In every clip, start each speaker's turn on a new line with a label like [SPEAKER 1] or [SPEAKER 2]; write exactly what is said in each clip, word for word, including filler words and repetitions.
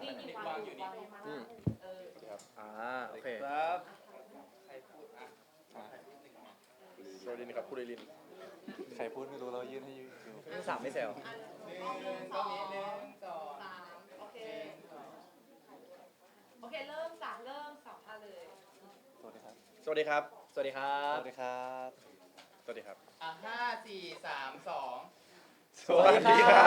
[SPEAKER 1] นี่วางอยู่นี่อืมเออครับอ่าโอเคครับใครพูดอ่ะใครพูดหนึ่งมาสวัสดีนะครับพูดลิน
[SPEAKER 2] ใครพูดไม่รู้เรายื่นให้ยูดู
[SPEAKER 1] สามไม่แซว
[SPEAKER 3] หนึ่งสองสามโอเคโอเคเริ่มสามเริ่มสองอ่ะเลย
[SPEAKER 2] สวัสดีครับ
[SPEAKER 1] สวัสดีครับ สวัสดีครั
[SPEAKER 2] ส
[SPEAKER 1] บ
[SPEAKER 2] วัสดีครับ
[SPEAKER 1] สวัสดีครับ
[SPEAKER 3] อ่ะห้าสี่สามสอง
[SPEAKER 1] สวัสดีครับ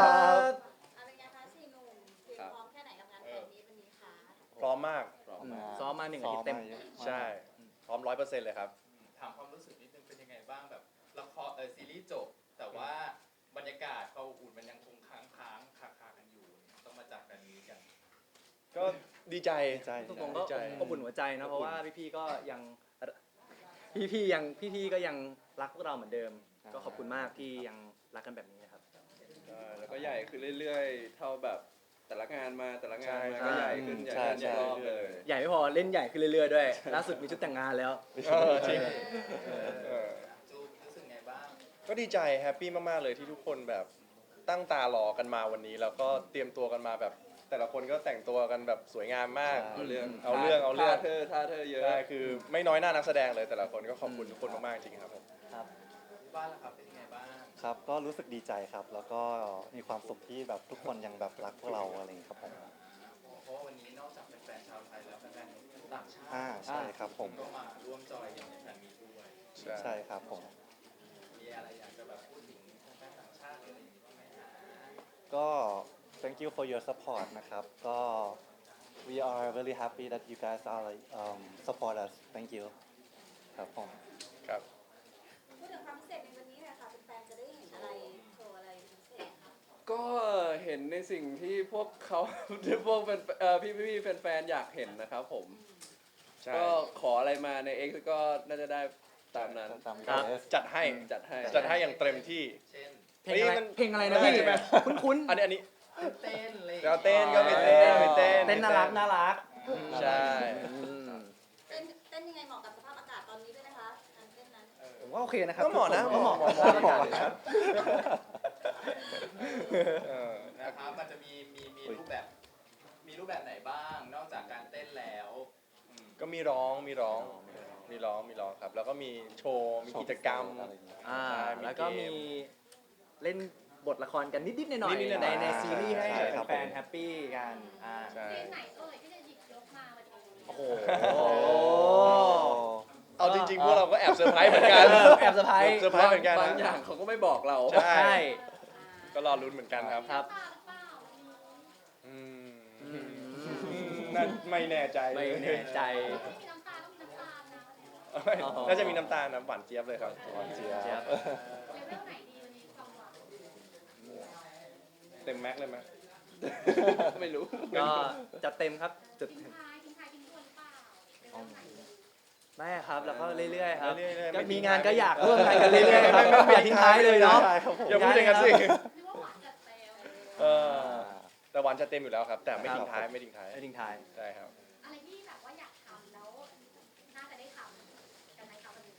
[SPEAKER 4] อะไรเงี้ยคะสี่หนุ่มเตรียมพร้อมแค่ไหนกับงานแฟนมีตวันนี้คะ
[SPEAKER 1] พร้อมมาก
[SPEAKER 2] พร้อมมาก
[SPEAKER 1] ซ้อมมาหนึ่งอาทิตย์เต็ม
[SPEAKER 2] ซ้อมาเยอะาก
[SPEAKER 1] ใช่ พร้อมร้อยเปอร์เซ็นต์เลยครับ
[SPEAKER 3] ถามความรู้สึกนิดนึงเป็นยังไงบ้างแบบละครเออซีรีส์จบ แต่ว่าบรรยากาศความอบอุ่นมันยังคงค้างค้างคาคากันอยู่ต้องมาจับกันนี้กัน
[SPEAKER 1] ก็ดีใจ
[SPEAKER 2] ดีใจ
[SPEAKER 5] ตรงๆก็
[SPEAKER 1] ดีใจ
[SPEAKER 5] อบอุ่นหัวใจนะเพราะว่าพี่ๆก็ยังพี่ๆยังพี่ๆก็ยังรักพวกเราเหมือนเดิม ก็ขอบคุณมากที่ยังรักกันแบบนี้นะครับ
[SPEAKER 6] ใช่แล้วก็ใหญ่ขึ้นเรื่อยๆ เท่าแบบแต่ละงานมาแต่ละงานมา
[SPEAKER 1] ใช่
[SPEAKER 6] ก็ใหญ่ขึ้นใหญ่
[SPEAKER 2] ใช่
[SPEAKER 6] ขึ้น
[SPEAKER 2] ใช่
[SPEAKER 6] รอบเลย
[SPEAKER 5] ใหญ่ไม่พอเล่นใหญ่ขึ้นเรื่อยๆด้วยล่าสุดมีชุดแต่งงานแล้ว
[SPEAKER 1] เออจริงเออ
[SPEAKER 3] จูรู้สึกไงบ้าง
[SPEAKER 1] ก็ดีใจแฮปปี้มากๆเลยที่ทุกคนแบบตั้งตารอกันมาวันนี้ แล้วก็เตรียมตัวกันมาแบบ แต่ละคนก็แต่งตัวกันแบบสวยงามมาก
[SPEAKER 6] เอาเรื่อง
[SPEAKER 1] เอาเรื่องเอาเรื่อง
[SPEAKER 6] ท่าเธอท่าเธอเยอะ
[SPEAKER 1] ใช่คือไม่น้อยหน้านักแสดงเลยแต่ละคนก็ขอบคุณทุกคนมากๆจริงครับผม
[SPEAKER 3] บ้านล่ะครับเป็นยังไงบ้าง
[SPEAKER 2] ครับ ก็รู้สึกดีใจครับ แล้วก็มีความสุขที่แบบทุกคนยังแบบรักพวกเราอะไรอย่างนี้ครับผม
[SPEAKER 3] เพราะว่าวันนี้นอกจากแฟนๆชาวไทยแล้วแฟนๆต่างชาติ
[SPEAKER 2] อ่าใช่ครับผม
[SPEAKER 3] ก็มาร่วมจอยกันในแฟนมีตด้วย
[SPEAKER 2] ใช่ครับผม
[SPEAKER 3] มีอะไรอยากจะแบบพูดถึงแฟนๆต่างชาติหรืออะไรอย่างนี้บ้างไหมฮะ
[SPEAKER 2] ก็ thank you for your support นะครับ ก็ we are really happy that you guys are like um, support us thank you ครับผม
[SPEAKER 1] ครับ
[SPEAKER 4] พูดถึงความพิเศษในวันนี้หน่อยค่ะเป็นแฟนจะได้เห็นอะไรโชว์อะไรพิเศษคะ
[SPEAKER 6] ก็เห็นในสิ่งที่พวกเขา ที่พวกแฟนเอ่อพี่ๆแฟนๆอยากเห็นนะครับผม
[SPEAKER 1] ใช่
[SPEAKER 6] ก็ขออะไรมาใน X ก็น่าจะได้ตามนั้น
[SPEAKER 2] ตาม
[SPEAKER 5] ครับ
[SPEAKER 2] เอส
[SPEAKER 1] จัดให้
[SPEAKER 6] จัดให้
[SPEAKER 1] จัดให้อย่างเต็มที่
[SPEAKER 3] เช่น
[SPEAKER 5] เพลงอะไร
[SPEAKER 1] เฮ้ยมัน
[SPEAKER 5] เพลงอะไรนะ
[SPEAKER 1] ได้
[SPEAKER 5] พี่
[SPEAKER 1] ใช่ไหม
[SPEAKER 5] คุ้น
[SPEAKER 1] อันนี้อันนี้
[SPEAKER 3] เต้นเลย
[SPEAKER 1] เราเต้นก็ไปเต้นไปเต้น
[SPEAKER 5] ๆเต้นน่ารักน่ารัก
[SPEAKER 1] ใช่
[SPEAKER 4] เต้นเต้นยังไงเหมาะกับสภาพอากาศตอนนี้ด้วยนะคะการเต้นนั้น
[SPEAKER 5] ผมว่าโอเคนะครับ
[SPEAKER 1] ก็เหมาะนะ
[SPEAKER 5] ก็เหมาะ
[SPEAKER 1] เหมาะ
[SPEAKER 5] เหมาะ
[SPEAKER 1] เหมาะ
[SPEAKER 5] เหมาะ
[SPEAKER 1] ครับเออ
[SPEAKER 3] นะครับมันจะมีมีมีรูปแบบ มีรูปแบบไหนบ้าง นอกจากการเต้นแล้วอืม
[SPEAKER 1] ก็มีร้องมีร้อง มีร้องมีร้องครับ แล้วก็มีโชว์มีกิจกรรม
[SPEAKER 2] อะไรอย่างเงี้ย
[SPEAKER 5] อ่า
[SPEAKER 1] ใช่
[SPEAKER 5] แล้วก็มี
[SPEAKER 1] เก
[SPEAKER 5] เล่นบทละครกันนิดๆหน่อย
[SPEAKER 1] นิดๆหน่
[SPEAKER 5] ๆใน
[SPEAKER 1] อยๆ
[SPEAKER 5] ในซีรีส์ให้
[SPEAKER 2] ใช่ครับ
[SPEAKER 5] แฟนๆแฮปปี้กันอ่า
[SPEAKER 1] ใช่
[SPEAKER 4] เพลงไหนเอ่ยที่จะหยิบยกมาวันนี้
[SPEAKER 5] โอ้โห
[SPEAKER 1] เอาจริงๆพวกเราก็แอบเซอร์ไพรส์เหมือนกัน
[SPEAKER 5] แอบเซอร์ไพรส์
[SPEAKER 1] เซอร์ไพรส์เหมือนกัน
[SPEAKER 6] บาง
[SPEAKER 1] นะ
[SPEAKER 6] อย่างเขาก็ไม่บอกเรา
[SPEAKER 1] ใช่
[SPEAKER 5] ใช่
[SPEAKER 1] ก็รอลุ้นเหมือนกันครับ
[SPEAKER 5] ครับ
[SPEAKER 1] อืมนั่นไม่แน่ใจ
[SPEAKER 5] ไม่แน่ใจ
[SPEAKER 4] ต้องมีน้ำตาต้องมีน้ำตาลนะ
[SPEAKER 5] อ๋อ
[SPEAKER 1] น่าจะมีน้ำตาลน้ำหวานเจี๊ยบเลยครับ
[SPEAKER 2] หวานเจี๊ยบ
[SPEAKER 5] เจี๊ยบ
[SPEAKER 4] เลเวลไหนดีวันนี้ความหวัง
[SPEAKER 1] เต็มแม็กเลยไหม
[SPEAKER 6] ไม่รู้
[SPEAKER 5] ก็จัดเต็มครับจุด
[SPEAKER 4] ทิ้งท้ายทิ้งท้ายทิ้งทวนหรือเปล่าเลเวลไหน
[SPEAKER 5] ได้ครับ แล้วก็เรื่อยๆครับ
[SPEAKER 1] เรื่อยๆ
[SPEAKER 5] ก็
[SPEAKER 1] ไม่ทิ้
[SPEAKER 5] มี
[SPEAKER 1] ง
[SPEAKER 5] งาน
[SPEAKER 1] ท้าย
[SPEAKER 5] ก็อยากร่วมงานกันเรื่อยๆครับไม่อย่าทิ้งท้ายเลยเนาะ
[SPEAKER 2] ใช่ครับผม
[SPEAKER 1] อย่าพูดอย่างนั้นสิ
[SPEAKER 4] หรือว่าหวานจัดเต็ม
[SPEAKER 1] เออแต่หวานจะเต็มอยู่แล้วครับ แต่ไม่ทิ้งท้ายไม่ทิ้งท้าย
[SPEAKER 5] ไม่ทิ้งท้าย
[SPEAKER 1] ใช่ครับ
[SPEAKER 4] อะไรที่แบบว่าอยากทำแล้วน่าจะได้ทำกันไหมคะวันนี้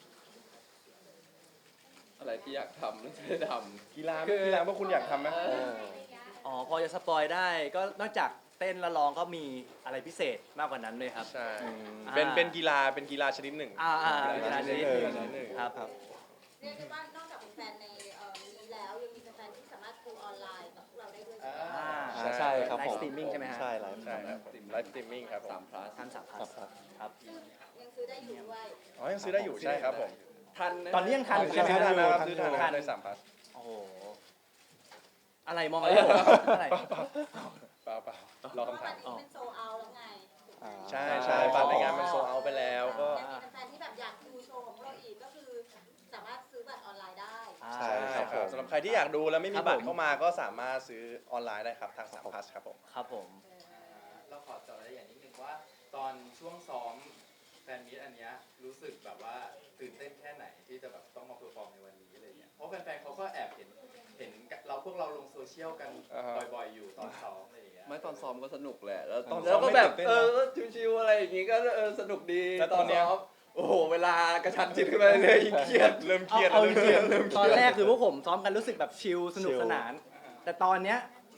[SPEAKER 6] อะไรที่อยากทำแล้วจะได้ทำ
[SPEAKER 1] กีฬาไหมกีฬาพวกคุณอยากทำไหม
[SPEAKER 2] เออ
[SPEAKER 4] อะไรอย่างเงี้ย
[SPEAKER 5] อ๋อพอจะสปอยได้ก็นอกจากเต้นและร้องก็มีอะไรพิเศษมากกว่านั้นเลยครับ
[SPEAKER 1] ใช่
[SPEAKER 2] อืม
[SPEAKER 1] เป็น
[SPEAKER 5] อ่า
[SPEAKER 1] เป็นกีฬาเป็นกีฬาชนิดหนึ่ง
[SPEAKER 5] อ่าอ่า
[SPEAKER 1] กี
[SPEAKER 5] กี
[SPEAKER 1] ฬา
[SPEAKER 5] ฬา
[SPEAKER 1] ช
[SPEAKER 5] ช
[SPEAKER 1] นิ
[SPEAKER 5] นิ
[SPEAKER 1] ด
[SPEAKER 5] ด
[SPEAKER 1] ห
[SPEAKER 5] ห
[SPEAKER 1] นึ่
[SPEAKER 5] นึ่
[SPEAKER 1] ง
[SPEAKER 5] ง
[SPEAKER 1] ชนิดหนึ่ง
[SPEAKER 5] ครับ
[SPEAKER 4] เรียกได้ว่านอกจากเป็นแฟนในเอ่อนี้แล้วยังมีแฟนที่สามารถดูออนไลน์กับพวกเราได้ด้วยใช่ไหม
[SPEAKER 3] อ่า
[SPEAKER 5] อ่า
[SPEAKER 2] อ่าใช่ครับ
[SPEAKER 5] ไล
[SPEAKER 2] ผ
[SPEAKER 5] ฟ์
[SPEAKER 2] ม
[SPEAKER 5] สตรีมมิ่งใช่ไหมฮะ
[SPEAKER 2] ใช่ไลฟ์
[SPEAKER 1] ใช่ครับไลฟ์สตรีมมิ่งครับผม
[SPEAKER 6] สามพลัส
[SPEAKER 5] ท่านสามพัน
[SPEAKER 2] ครับ
[SPEAKER 5] ครับ
[SPEAKER 4] ซึ่งยังซื้อได้อยู่ด้วย
[SPEAKER 1] อ๋อยังซื้อได้อยู่ใช่ครับผม
[SPEAKER 6] ทันะ
[SPEAKER 5] ตอนนี้ยังทัน
[SPEAKER 1] ซื้อทันนะครับซื้อทัน
[SPEAKER 5] ทัน
[SPEAKER 1] ได้สามพัส
[SPEAKER 5] โอ้โหอะไรมองอะไรผมอะไร
[SPEAKER 1] เปล่าเปล่าเปล่ารอ
[SPEAKER 4] เพราะ
[SPEAKER 1] คำ
[SPEAKER 4] วั
[SPEAKER 1] ถาน ม
[SPEAKER 4] นี้เป็นโซเอาแล้วไง
[SPEAKER 2] อ่า
[SPEAKER 1] ใช่ใช่บัตรในงานมันโซเอาไปแล้วก็
[SPEAKER 4] ยังมีแฟนๆที่แบบอยากดูโชว์ของพวกเราอีกก็คือสามารถซื้อบัตรออนไลน์ได้
[SPEAKER 2] ใช่
[SPEAKER 1] ใช่
[SPEAKER 2] ครับ
[SPEAKER 1] ครับสำหรับใครที่อยากดูแล้วไม่มี
[SPEAKER 5] ครับ
[SPEAKER 1] บัต
[SPEAKER 5] ผม
[SPEAKER 1] รเข้ามาก็สามารถซื้อออนไลน์ได้ครับทางสามพัสครับผม
[SPEAKER 5] ครับผม
[SPEAKER 3] เราขอเจาะรายละเอียดนิดนึงว่า ตอนช่วงซ้อมแฟนมีตอันเนี้ยรู้สึกแบบว่าตื่นเต้นแค่ไหนที่จะแบบต้องมาเพอร์ฟอร์มในวันนี้อะไรเงี้ยเพราะแฟนๆเขาก็แอบเห็นเห็นเราพวกเราลงโซเชียลกัน
[SPEAKER 1] อ่าฮะ
[SPEAKER 3] บ่อยๆอยู่ตอนซ้อมอะไรอย่างเงี้ย
[SPEAKER 6] ไม่ตอนซ้อมก็สนุกแหละ แล้ว
[SPEAKER 1] ตอนซ้
[SPEAKER 6] แล้
[SPEAKER 1] อ
[SPEAKER 6] ว
[SPEAKER 1] ม
[SPEAKER 6] ก็
[SPEAKER 1] ไม่
[SPEAKER 6] แบบ
[SPEAKER 1] ตื่นเต้น
[SPEAKER 6] เอ
[SPEAKER 1] นะ
[SPEAKER 6] อก็ชิวๆอะไรอย่างงี้ก็เออสนุกดี
[SPEAKER 1] แล้วตอนเนี้ย
[SPEAKER 6] ซ้มโอ้โหเวลากระชันชิดขึ้นมาเลยยิ่งเครียด
[SPEAKER 1] เริ่มเครียด
[SPEAKER 5] เอา
[SPEAKER 1] เริ่ม
[SPEAKER 5] จ
[SPEAKER 1] เค
[SPEAKER 5] ริ
[SPEAKER 1] รีย
[SPEAKER 5] ง
[SPEAKER 1] ดเริ่ม
[SPEAKER 5] ๆ
[SPEAKER 1] เค
[SPEAKER 5] ตอ
[SPEAKER 1] รี
[SPEAKER 5] น
[SPEAKER 1] ยด
[SPEAKER 5] แรกคือพวกผมซ้อมกันรู้สึกแบบชิลสนุกสนาน แต่ตอนเนี้ย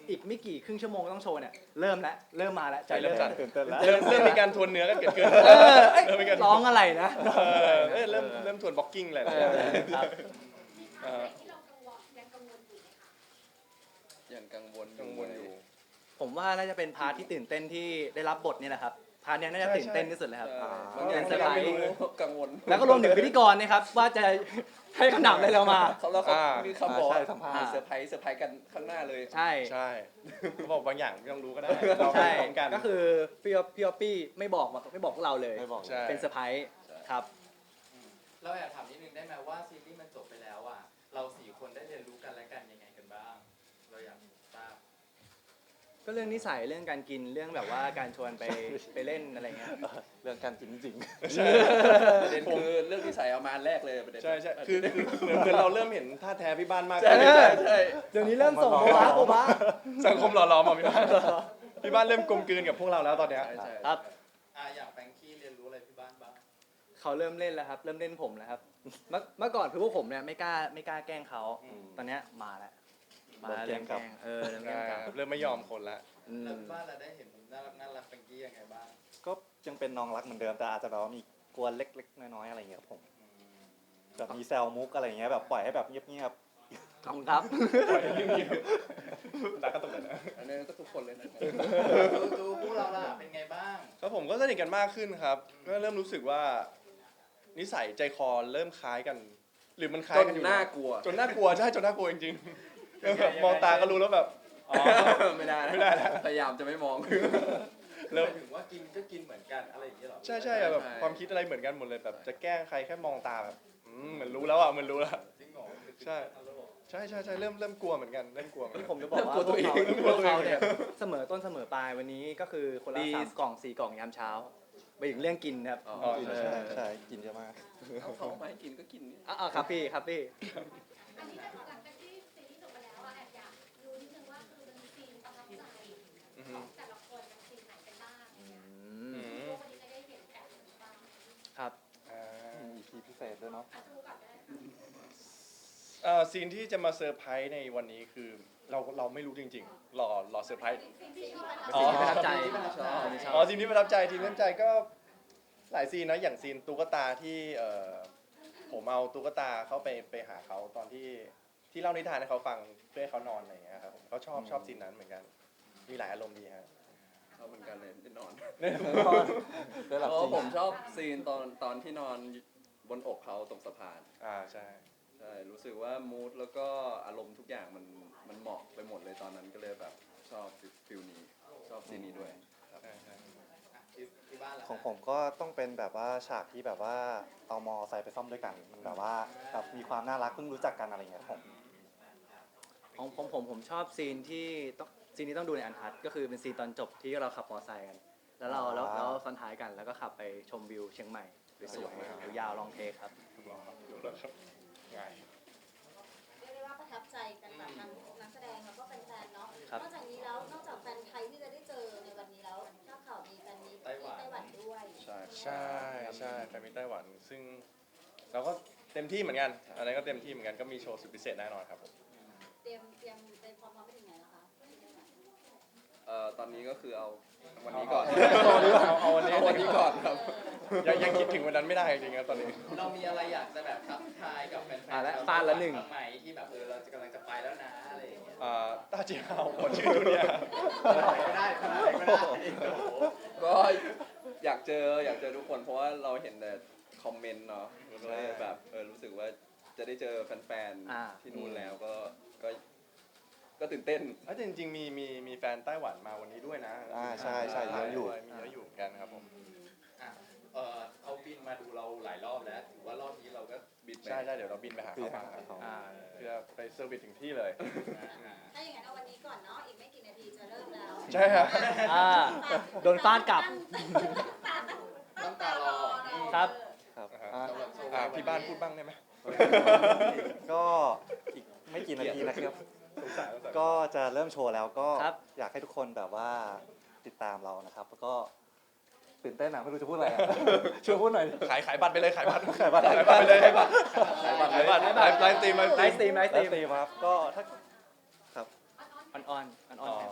[SPEAKER 5] อีกไม่กี่ครึ่งชั่วโมงต้องโชว์เนี่ยเริ่มแล้วเริ่มมาแล้วใจ
[SPEAKER 1] เริ่
[SPEAKER 5] เริ่
[SPEAKER 1] ม
[SPEAKER 5] ม
[SPEAKER 1] สั่น
[SPEAKER 2] ตื่นเต้นแล้ว
[SPEAKER 1] เริ่มเริ่มมีการทวนเนื้อกันเกิดขึ้น
[SPEAKER 5] เออเอ้ย
[SPEAKER 1] เริ่มมีการ
[SPEAKER 5] ร้องอะไรนะ
[SPEAKER 1] เออเอ้ยเริ่มเริ่มทวนบล็อกกิ้งอะไร
[SPEAKER 5] เอ
[SPEAKER 1] แล้ว
[SPEAKER 5] อครับ
[SPEAKER 1] เออ
[SPEAKER 4] ที่เรากังวลยังกังวลอยู่ไหมคะ
[SPEAKER 6] ยังกังวล
[SPEAKER 1] กังวลอยู่
[SPEAKER 5] ผมว่าน่าจะเป็นพาร์ทที่ตื่นเต้นที่ได้รับบทนี่แหละครับพาร์ทเนี้ยน่าจะ
[SPEAKER 1] ใช่
[SPEAKER 5] ตื่นเต้นที่สุดเลยครับ
[SPEAKER 6] ใช่
[SPEAKER 2] อ่า
[SPEAKER 6] บางอย่าง
[SPEAKER 5] เป็นเซอร์ไพรส์
[SPEAKER 6] ไม่รู้กังวล
[SPEAKER 5] แล้วก็รวมถึงพิธีกรนะครับว่าจะให้คำถามอะไรเรามา
[SPEAKER 6] เขาแล้วเขา
[SPEAKER 1] อ่า
[SPEAKER 6] มีคำบอก
[SPEAKER 2] ใช่
[SPEAKER 6] ว่า
[SPEAKER 2] สัมภาษณ์
[SPEAKER 6] มีเซอร์ไพรส์เซอร์ไพรส์กันข้างหน้าเลย
[SPEAKER 5] ใช่
[SPEAKER 1] ใช่เขาบอกบางอย่างไม่ต้องรู้ก็ได้เราไป
[SPEAKER 5] ใช่
[SPEAKER 1] พร้อมกัน
[SPEAKER 5] ก็คือพี่อ๊อฟพี่อ๊อฟปี้ไม่บอกมาไม่บอกพวกเราเลย
[SPEAKER 2] ไม่บอก
[SPEAKER 1] ใช่
[SPEAKER 5] เป็นเซอร์ไพรส์ครับ
[SPEAKER 3] เราแอบถามนิดนึงได้ไหมว่าซีรีส์มันจบไปแล้วอ่ะเราสี่คนได้เรียนรู้กันและกันยังไงกันบ้าง เราอยากทราบ
[SPEAKER 5] ก็เรื่องนิสัยเรื่องการกินเรื่องแบบว่าการชวนไปไปเล่นอะไรเงี้ย
[SPEAKER 2] เรื่องการกินจริง
[SPEAKER 6] ประเด็นคือเรื่องนิสัยเอามาแรกเลยประเด็น
[SPEAKER 1] ใช่ใช่คือคือเหมือนเหมือนเราเริ่มเห็นท่าแท้พี่บ้านมาก
[SPEAKER 6] ใช่
[SPEAKER 1] ขึ้น
[SPEAKER 6] ใช่ใช่
[SPEAKER 5] เดี๋ยวนี้เริ่มส่งโบบะโบบะ
[SPEAKER 1] สังคมหล่อหลอมอ่ะพี่บ้านพี่บ้านเริ่มกลมกลืนกับพวกเราแล้วตอนเนี้ย
[SPEAKER 6] ใช่ใช่
[SPEAKER 5] ครับ
[SPEAKER 3] อ่ะอย่างแฟรงกี้เรียนรู้อะไรที่บ้านบ้าง
[SPEAKER 5] เขาเริ่มเล่นแล้วครับ เริ่มเล่นผมแล้วครับ เมื่อเมื่อก่อนคือพวกผมเนี่ยไม่กล้าไม่กล้าแกล้งเขา
[SPEAKER 1] อืม
[SPEAKER 5] ตอนเนี้ยมาแล้วมา
[SPEAKER 2] เริ่มแกล้งครับ
[SPEAKER 5] เริ่มเออเริ่มแกล้ง
[SPEAKER 1] ใช่
[SPEAKER 5] ครับ
[SPEAKER 1] ครับเริ่มไม่ยอมคนละ
[SPEAKER 5] อืม
[SPEAKER 3] แล้วที่บ้านเราได้เห็นน่ารักน่ารักแฟรงกี้ยังไงบ้าง
[SPEAKER 2] ๆ ก็ยังเป็นน้องรักเหมือนเดิมแต่อาจจะแบบว่ามีกวนเล็กๆ น้อยๆ อะไรอย่างเงี้ยครับผมแบบมีแซลมุกอะไรอย่างเงี้ยแบบปล่อยให้แบบเงียบ
[SPEAKER 5] ขอบคุณครับ
[SPEAKER 1] ปล่อยให้เงียบๆดักก็ตกเลยนะ
[SPEAKER 6] อันนี้ก็ทุกคนเลยนะ
[SPEAKER 3] ดูดูพวกเราล่ะเป็นไงบ้าง
[SPEAKER 1] ครับผมก็สนิทกันมากขึ้นครับ ก็เริ่มรู้สึกว่า นิสัยใจคอเริ่มคล้ายกัน หรือมันคล้า
[SPEAKER 6] จ
[SPEAKER 1] ย
[SPEAKER 6] น
[SPEAKER 1] กันอยู่
[SPEAKER 6] น่ากลัว
[SPEAKER 1] จนน่ากลัวใช่จนน่ากลัวจริงๆแบบมองตาก็รู้แล้วแบบอ๋อ
[SPEAKER 6] ไม่ได้นะ
[SPEAKER 1] ไม่ได้นะ
[SPEAKER 6] พยายามจะไม่มอง
[SPEAKER 1] เริ่ม
[SPEAKER 3] หมายถึงว่ากินก็กินเหมือนกันอะไรอย่างเงี้ยเหรอ
[SPEAKER 1] ใช่ใช่อะแบบ
[SPEAKER 6] ใช่
[SPEAKER 1] ความคิดอะไรเหมือนกันหมดเลยแบบจะแกล้งใครแค่มองตาแบบอืมเหมือนรู้แล้วอ่ะเหมันรู้แล้ว
[SPEAKER 3] จริงเหรอ
[SPEAKER 1] ใช่ ใช่ใช่ใช่เริ่มเริ่มกลัวเหมือนกันเริ่มกลัวเหมือน
[SPEAKER 5] ที่
[SPEAKER 1] กัน
[SPEAKER 5] ผมจะบอกว่า
[SPEAKER 6] เริ่มกลัวตัวเอง
[SPEAKER 5] พวกเขาเนี่ยเสมอต้นเสมอปลายวันนี้ก็คือคนละ
[SPEAKER 6] ดี
[SPEAKER 5] สามกล่องสี่กล่องยามเช้าไปถึงเรื่องกินครับ
[SPEAKER 6] อ๋อ
[SPEAKER 1] อ๋อ
[SPEAKER 2] ๆ
[SPEAKER 1] ใช่
[SPEAKER 2] ใช่ใช่กินเยอะมาก
[SPEAKER 6] เอาเขามาให้กินก็กินนี่
[SPEAKER 5] อ่าครับพี่ครับพี่
[SPEAKER 4] อันนี้หลังจากที่ซีรีส์จบไปแล้วอะแอบอยากรู้นิดนึงว่าคือมันมีซีนประทับใจ
[SPEAKER 1] อือ
[SPEAKER 4] ข
[SPEAKER 1] ฮึ
[SPEAKER 4] องแต่ละคนเป็นซีนไหนกันบ้างอะไรเงี้ย
[SPEAKER 5] อืม
[SPEAKER 4] พวกวันนี้จะได้เห็นแอบเห็นบ้าง
[SPEAKER 5] ครับ
[SPEAKER 1] อ่า
[SPEAKER 2] มี อี พี พิเศษด้วยเนาะ
[SPEAKER 4] อ่ะดูก่อนก็ได้ค่ะ
[SPEAKER 1] เอ่อซีนที่จะมาเซอร์ไพรส์ในวันนี้คือเราเราไม่รู้จริงๆรอรอเซอร์ไพรส์
[SPEAKER 4] ซีนที่ชอบ
[SPEAKER 1] อ๋อ
[SPEAKER 5] สิ่งที่ประทับใจ
[SPEAKER 3] ที่ประทับใจ
[SPEAKER 5] อันนี้ชอบ
[SPEAKER 1] อ๋อซีนที่ประทับใจทีมประทับใจก็หลายซีนนะอย่างซีนตุ๊กตาที่เอ่อผมเอาตุ๊กตาเข้าไปไปหาเขาตอนที่ที่เล่านิทานให้เขาฟังเพื่อให้เขานอนอะไรอย่างเงี้ยครับผมเขาชอบชอบซีนนั้นเหมือนกัน มีหลายอารมณ์ดีฮะ
[SPEAKER 6] เขาเหมือนกันเลยได้นอน
[SPEAKER 2] ได้หลับ
[SPEAKER 6] เพราะ
[SPEAKER 2] จริง
[SPEAKER 6] ผมชอบซีนตอนตอนที่นอนบนอกเขาตรงสะพาน
[SPEAKER 1] อ่าใช่
[SPEAKER 6] ใช่ รู้สึกว่ามูดแล้วก็อารมณ์ทุกอย่างมันมันเหมาะไปหมดเลยตอนนั้นก็เลยแบบชอบฟิลนี้ ชอบซีนนี้ด้วยครับ
[SPEAKER 1] ใช่ใช่
[SPEAKER 3] อ่ะที่ที่บ้านล่ะ
[SPEAKER 2] ของผมก็ต้องเป็นแบบว่าฉากที่แบบว่าเอามอไซค์ไปซ่อมด้วยกันมันแบบว่าแบบมีความน่ารักเพิ่งรู้จักกันอะไรอย่างเงี้ยครับผม
[SPEAKER 5] ของผมผมผมชอบซีนที่ต้องซีนนี้ต้องดูในอันทัดก็คือเป็นซีนตอนจบที่เราขับมอเตอร์ไซค์กัน แล้วเราแล้วแล้วซ้อนท้ายกันแล้วก็ขับไปชมวิวเชียงใหม่สวยๆยาวๆลองเทคครับ
[SPEAKER 1] รอดูแล้วครับง่าย
[SPEAKER 4] เรียกได้ว่าประทับใจกันแบบทั้งนักแสดงแล้วก็แฟนๆเนาะ
[SPEAKER 5] ครับ
[SPEAKER 4] นอกจากนี้แล้วนอกจากแฟนไทยที่จะได้เจอในวันนี้แล้วทราบข่าวมีแฟนมีตที่ไต้หวันด้วย
[SPEAKER 6] ใช่
[SPEAKER 1] ใช่ใช่แฟนมิตรไต้หวัน ซึ่งเราก็เต็มที่เหมือนกันอันนั้นก็เต็มที่เหมือนกันก็มีโชว์สุดพิเศษแน่นอนครับผม
[SPEAKER 4] เตรียมเตรียมเตรียมความพร้อมไปถึงไหนแล้วคะ
[SPEAKER 6] เอ่อตอนนี้ก็คือเอาวันนี้ก่อน
[SPEAKER 1] เอาเอาวันนี้
[SPEAKER 6] เอาวันนี้ก่อนครับ
[SPEAKER 1] ยังยังคิดถึงวันนั้นไม่ได้จริงๆครับตอนนี้
[SPEAKER 3] เรามีอะไรอยากจะแบบทักทายกับแฟน
[SPEAKER 5] อ่ะ
[SPEAKER 3] ๆ
[SPEAKER 5] และ
[SPEAKER 3] ชว
[SPEAKER 5] ฟาดละหนึ่ง
[SPEAKER 3] บ้ไหมที่แบบเออเราจะกำลังจะไปแล้วนะอะไรอย่างเงี้ย
[SPEAKER 1] อ่าต้าเจียวหมดชื่อทุเนี่ย
[SPEAKER 3] ไม่ได้ขนาดไหนก็ได้โอ้โห
[SPEAKER 6] ก็อยากเจออยากเจอทุกคนเพราะว่าเราเห็นแต่คอมเมนต์เนาะก็เลยแบบเออรู้สึกว่าจะได้เจอแฟน
[SPEAKER 5] อ่า
[SPEAKER 6] ๆที่นู่นแล้วก็ก็ก็ตื่นเต้น
[SPEAKER 1] อ่ะแต่จริงๆมีมีมีแฟนไต้หวันมาวันนี้ด้วยนะ
[SPEAKER 2] อ่าใช่ใช่เยอะอยู่
[SPEAKER 1] มีเยอะอยู่เหมือนกันครับผม
[SPEAKER 3] อ่ะเออเขาบินมาดูเราหลายรอบแล้วถือว่ารอบนี้เราก็
[SPEAKER 6] บิดไป
[SPEAKER 1] ใช่ใช่เดี๋ยวเราบินไปหาเขามาครับ
[SPEAKER 5] อ่า
[SPEAKER 1] เพื่อไปเซอร์วิสถึงที่เลย
[SPEAKER 3] อ่า
[SPEAKER 4] ถ้าอย่างนั้นเอาวันนี้ก่อนเนาะ อีกไม่กี่นาทีจะเริ่มแล้ว
[SPEAKER 1] ใช่ครับ
[SPEAKER 5] อ่าโดนฟาดกลับ
[SPEAKER 3] ต้องตารอ
[SPEAKER 5] ครับ
[SPEAKER 2] ครับ
[SPEAKER 1] อ่า
[SPEAKER 2] อ่ะ
[SPEAKER 3] สำหรับโชว์
[SPEAKER 1] อ่าพี่บ้านพูดบ้างได้ไหม
[SPEAKER 2] ก็อีกไม่กี่นาทีนะครับ
[SPEAKER 1] สงสารสงสาร
[SPEAKER 2] ก็จะเริ่มโชว์แล้วก็
[SPEAKER 5] ครับ
[SPEAKER 2] อยากให้ทุกคนแบบว่าติดตามเรานะครับ แล้วก็ตื่นเต้นนะไม่รู้จะพูดอะไรอะ ช่วยพูดหน่อย
[SPEAKER 1] ขายขายบัตรไปเลยขายบัตร
[SPEAKER 2] ขายบัตร
[SPEAKER 1] ขายบัตรไปเลยขายบัตร
[SPEAKER 6] ขายบัตร
[SPEAKER 1] ขายบัตรไลฟ์ไลฟ์สตรีมไลฟ์ส
[SPEAKER 5] ไล
[SPEAKER 1] ตรีม
[SPEAKER 5] ฟ์สตรีมไลฟ์สต
[SPEAKER 2] แล้ว
[SPEAKER 5] รีม
[SPEAKER 2] ตีมครับก็ถ้าครับ
[SPEAKER 5] ออนออนออนออน
[SPEAKER 1] อ๋อ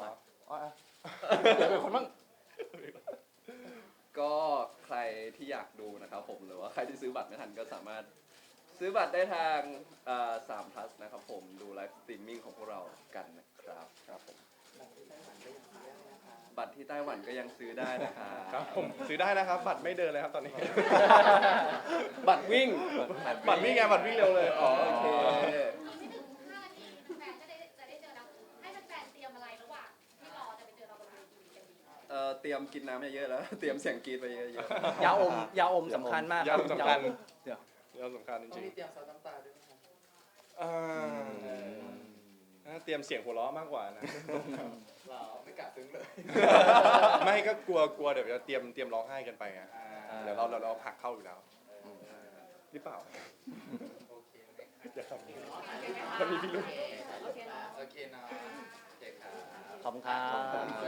[SPEAKER 1] อ๋ออ่ะเดี๋ยวเป็นคนบ้าง
[SPEAKER 6] ก็ใครที่อยากดูนะครับผมหรือว่าใครที่ซื้อบัตรไม่ทันก็สามารถซื้อบัตรได้ทางสามพัสนะครับผมดูไลฟ์สตรีมมิ่งของพวกเรากันนะครับครับผมบัตรที่ไต้หวันก็ยังซื้อได้นะครับ
[SPEAKER 1] ครับผมซื้อได้นะครับ บัตรไม่เดินเลยครับตอนนี้
[SPEAKER 6] บัตรวิ่ง
[SPEAKER 1] บัตรวิ่งไงบัตรวิ่งเร็วเลย
[SPEAKER 6] อ๋อโอเค
[SPEAKER 7] ไม่ถึงห้านาทีแฟนก็ได้จะได้เจอเราให้แฟนๆเตรียมอะไรระหว่างที่รอจะไปเจอเราบนเวทีกันดี
[SPEAKER 6] เอ่อเตรียมกินน้ำเยอะๆแล้ว เตรียมเสียงกรีดไปเยอะ
[SPEAKER 5] ยาอมยาอมสำคัญมาก
[SPEAKER 1] ยาอมสำคัญ
[SPEAKER 5] เดี๋ยว
[SPEAKER 1] เรื่องสำคัญจ
[SPEAKER 3] ต้อง
[SPEAKER 1] ริง
[SPEAKER 3] มีเตรียมซับน้ำตาด้วยไหมครับ
[SPEAKER 1] ๆอ่าน่าเตรียมเสียงหัวเราะมากกว่านะ
[SPEAKER 3] เราไม่กะซึ้งเลย
[SPEAKER 1] ไม่ก็กลัวกลัวเดี๋ยวจะเตรียมเตรียมร้องไห้กันไปไง
[SPEAKER 3] อ่า
[SPEAKER 1] เดี๋ยวเราเราเราผลักเข้าอยู่แล้วหรือเปล่า
[SPEAKER 3] โอเคไหมครับ
[SPEAKER 1] อย่าทำมันมีพิรุธ
[SPEAKER 4] โอเคเนาะ
[SPEAKER 3] โอเคเนาะโอเคครับ
[SPEAKER 5] ขอบคุณครับ